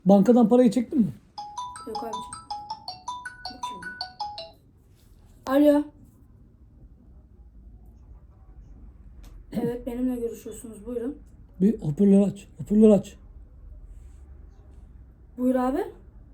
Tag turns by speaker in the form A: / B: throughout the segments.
A: Bankadan parayı çektin mi?
B: Yok abicim. Bu kim ya? Alo. Evet, benimle görüşüyorsunuz. Buyurun.
A: Bir hoparlör aç. Hoparlör aç.
B: Buyur abi.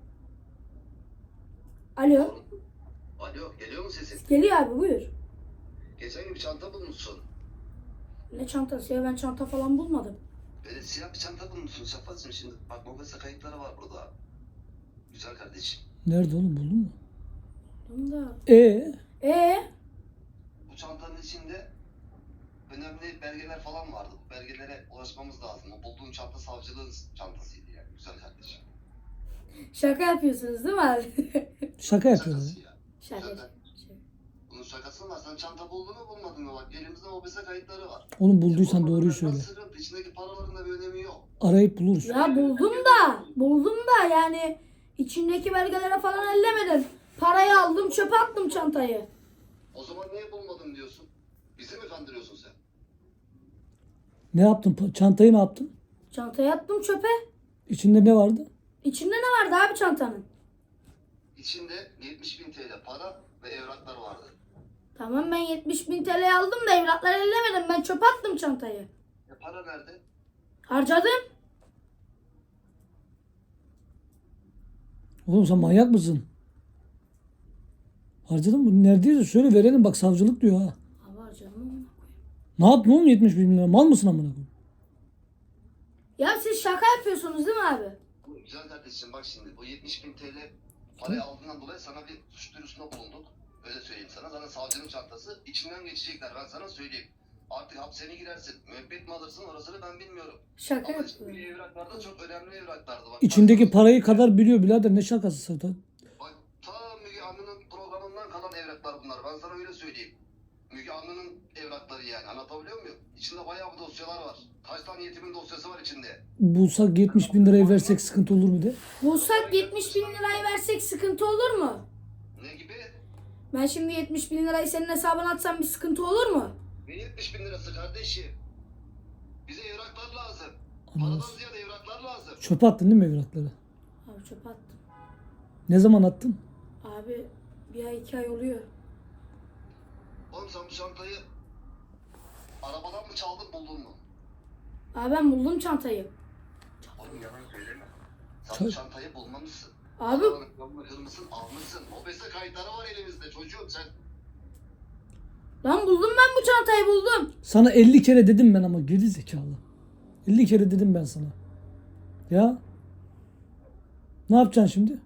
B: Alo.
C: Alo, geliyor mu sesin?
B: Geliyor abi, buyur.
C: Geçen gün bir çanta bulmuşsun.
B: Ne çantası ya? Ben çanta falan bulmadım.
C: Böyle siyah bir çanta bulmuşsun Şafak'cığım şimdi. Bak mobese kayıtları var burada. Güzel kardeşim.
A: Nerede oğlum, buldun mu?
B: Bunda.
A: Ee?
C: Bu çantanın içinde önemli belgeler falan vardı. Bu belgelere ulaşmamız lazım. O bulduğun çanta savcılığın çantasıydı yani. Güzel kardeşim.
B: Şaka yapıyorsunuz değil mi abi?
A: Şaka yapıyorum.
C: Şakası ya.
B: Şaka.
C: Zaten bunun şakası var. Sen çanta buldun mu bulmadın mı? Bak elimizde mobese kayıtları var.
A: Oğlum bulduysan doğruyu
C: Bulmadın,
A: söyle.
C: sıkıntı. İçindeki paraların da bir önemi yok.
A: Arayıp buluruz.
B: Ya buldum da yani içindeki belgelere falan ellemedim. Parayı aldım, çöpe attım çantayı.
C: O zaman niye bulmadın diyorsun? Bizi mi kandırıyorsun sen?
A: Ne yaptın? Çantayı ne yaptın?
B: Çantayı attım çöpe.
A: İçinde ne vardı?
B: İçinde ne vardı abi çantanın?
C: İçinde 70.000 TL para ve evraklar vardı.
B: Tamam, ben 70.000 TL aldım da evrakları ellemedim. Ben çöpe attım çantayı.
C: Para nerede?
B: Harcadım.
A: Oğlum sen manyak mısın? Harcadın mı? Neredeyse söyle verelim, bak savcılık diyor ha.
B: Abi harcadım amına koyayım.
A: Ne yaptın oğlum 70 bin lira? Mal mısın amına koyayım?
B: Ya siz şaka yapıyorsunuz değil mi abi?
C: Güzel kardeşim bak şimdi bu 70.000 TL parayı aldığından dolayı sana bir suç duyurusunda bulunduk. Öyle söyleyeyim sana. Sana savcının çantası içinden geçecekler ben sana söyleyeyim. Artık hapse mi girersin, müebbet mi alırsın orasını ben bilmiyorum.
B: Şaka
C: Ama içindeki
B: yapıyorum.
C: evraklar da çok önemli evraklardı. Bak,
A: İçindeki parayı kadar biliyor birader, ne şakası zaten.
C: Bak ta Müge Anlı'nın programından kalan evraklar bunlar. Ben sana öyle söyleyeyim. Müge Anlı'nın evrakları yani. Anlatabiliyor muyum? İçinde bayağı bir dosyalar var. Kaç tane yetimin dosyası var içinde.
A: Bulsak 70 bin lirayı versek sıkıntı olur mu de?
B: Bulsak 70.000 lirayı versek sıkıntı olur mu?
C: Ne gibi?
B: Ben şimdi 70.000 lirayı senin hesabına atsam bir sıkıntı olur mu?
C: Ne 70.000 lirası kardeşim? Bize evraklar lazım.
A: Anladım.
C: Paradan ziyade evraklar lazım.
A: Çöpe attın değil mi evrakları?
B: Abi çöpe attım.
A: Ne zaman attın?
B: Abi bir ay 2 ay oluyor.
C: Oğlum sen bu çantayı arabadan mı çaldın buldun mu?
B: Abi ben buldum çantayı.
C: Oğlum yalan söyleme. Sen
A: Çal-
C: bu çantayı bulmamışsın.
B: Abi
C: Kırmızısın almışsın. Mobese kayıtları var elimizde çocuğum sen.
B: lan buldum, ben bu çantayı buldum.
A: Sana 50 kere dedim ben ama geri zekalı. 50 kere dedim ben sana. Ya? Ne yapacaksın şimdi?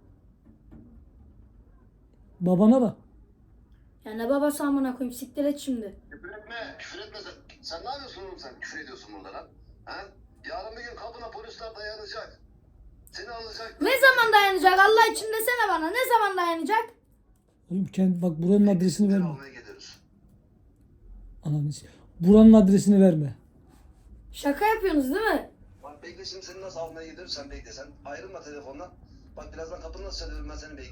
A: Babana da.
B: Ya ne babası amına koyayım, siktir et şimdi.
C: Küfür etme. Küfür etme sen. Sen ne yapıyorsun oğlum sen? Küfür ediyorsun burada lan. Ha? Yarın bir gün kapına polisler dayanacak. Seni alacak.
B: Ne zaman dayanacak Allah için desene bana, ne zaman dayanacak?
A: Oğlum bak buranın adresini
C: Seni
A: verme.
C: almaya geliriz.
A: Ananı buranın adresini verme.
B: Şaka yapıyorsunuz değil mi?
C: Bak bekle şimdi seni nasıl almaya gidiyorum sen bekle. Sen ayrılma telefondan. Bak birazdan kapını nasıl çalıyorum ben seni bekle.